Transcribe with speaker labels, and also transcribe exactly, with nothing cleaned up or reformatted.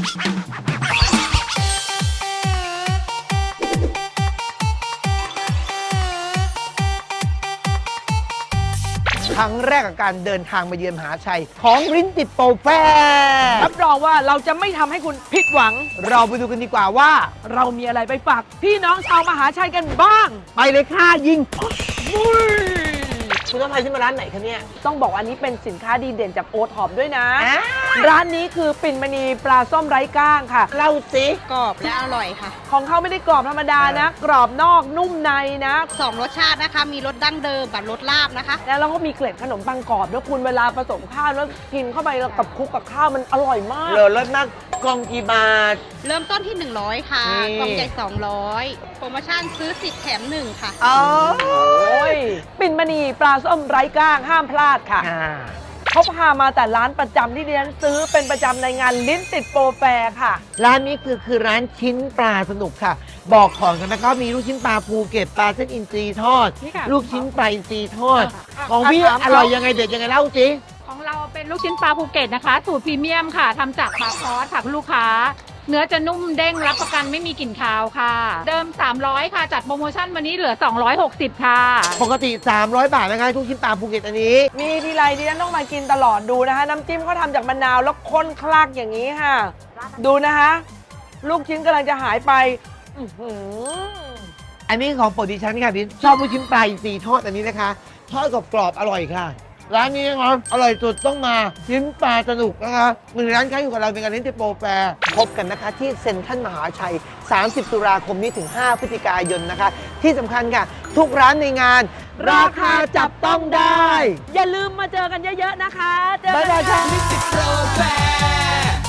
Speaker 1: ครั้งแรกกับการเดินทางมาเยือนมหาชัยของลิ้นติดโปรแฟร์รับรองว่าเราจะไม่ทำให้คุณผิดหวังเราไปดูกันดีกว่าว่าเรามีอะไรไปฝากพี่น้องชาวมหาชัยกันบ้างไปเลยค่ะยิงคุณต้องพาฉันมาร้านไหนคะเนี่ยต้องบอกอันนี้เป็นสินค้าดีเด่นจากโอท็อปด้วยนะร้านนี้คือปิ่นมณีปลาส้มไร้ก้างค่ะเล่าสิ
Speaker 2: กรอบและอร่อยค่ะ
Speaker 1: ของเขาไม่ได้กรอบธรรมดานะกรอบนอกนุ่มในนะ
Speaker 2: สองรสชาตินะคะมีรสดั้งเดิมกับรสลาบนะคะ
Speaker 1: แล้วเราก็มีเกล็ดขนมปังกรอบด้วยคุณเวลาผสมข้าวแล้วกินเข้าไปกับคลุกกับข้าวมันอร่อยมากเลยรสมากกล่องกี่บาท
Speaker 2: เริ่มต้นที่หนึ่งร้อยค่ะกล่องใหญ่สองร้อยโปรโมชั่นซื้อสิบแถมหนึ่งค่ะ
Speaker 1: โอ้ยปิ่นมณีปลาส้มไร้ก้างห้ามพลาดค่ะเขาพามาแต่ร้านประจำที่ดิฉันซื้อเป็นประจำในงานลิ้นติดโปรแฟร์ค่ะร้านนี้คือคือร้านชิ้นปลาสนุกค่ะบอกของกันนะก็มีลูกชิ้นปลาภูเก็ตปลาเส้นอินทรีทอดลูกชิ้นปลาอินทรีทอดของพี่อร่อยยังไงเด็ดยังไงเล่าสิ
Speaker 3: ของเราเป็นลูกชิ้นปลาภูเก็ตนะคะสูตรพรีเมียมค่ะทำจากปลาคอสค่ะคุณลูกค้าเนื้อจะนุ่มเด้งรับประกันไม่มีกลิ่นคาวค่ะเดิมสามร้อยค่ะจัดโปรโมชั่นวันนี้เหลือสองร้อยหกสิบค่ะ
Speaker 1: ปกติสามร้อยบาทนะคะทุกชิ้นปลาภูเก็ตอันนี้มีทีไรดิฉันต้องมากินตลอดดูนะคะน้ำจิ้มเขาทำจากมะนาวแล้วข้นคลักอย่างนี้ค่ะดูนะคะลูกชิ้นกำลังจะหายไปอันนี้ของโปรดิฉันค่ะดิชอบลูกชิ้นปลาอินทรีทอดอันนี้นะคะทอดกรอบๆอร่อยค่ะร้านนี้นะครับอร่อยสุดต้องมาชิ้นปลาสนุกนะคะหนึ่งร้านค้าอยู่กับเราเป็นการลิ้นติดโปรแฟร์พบกันนะคะที่เซ็นทรัลมหาชัยสามสิบตุลาคมนี้ถึงห้าพฤศจิกายนนะคะที่สำคัญค่ะทุกร้านในงานราคาจับต้องได้อย่าลืมมาเจอกันเยอะๆนะคะเจอกันค่ะลิ้นติดโปรแฟร์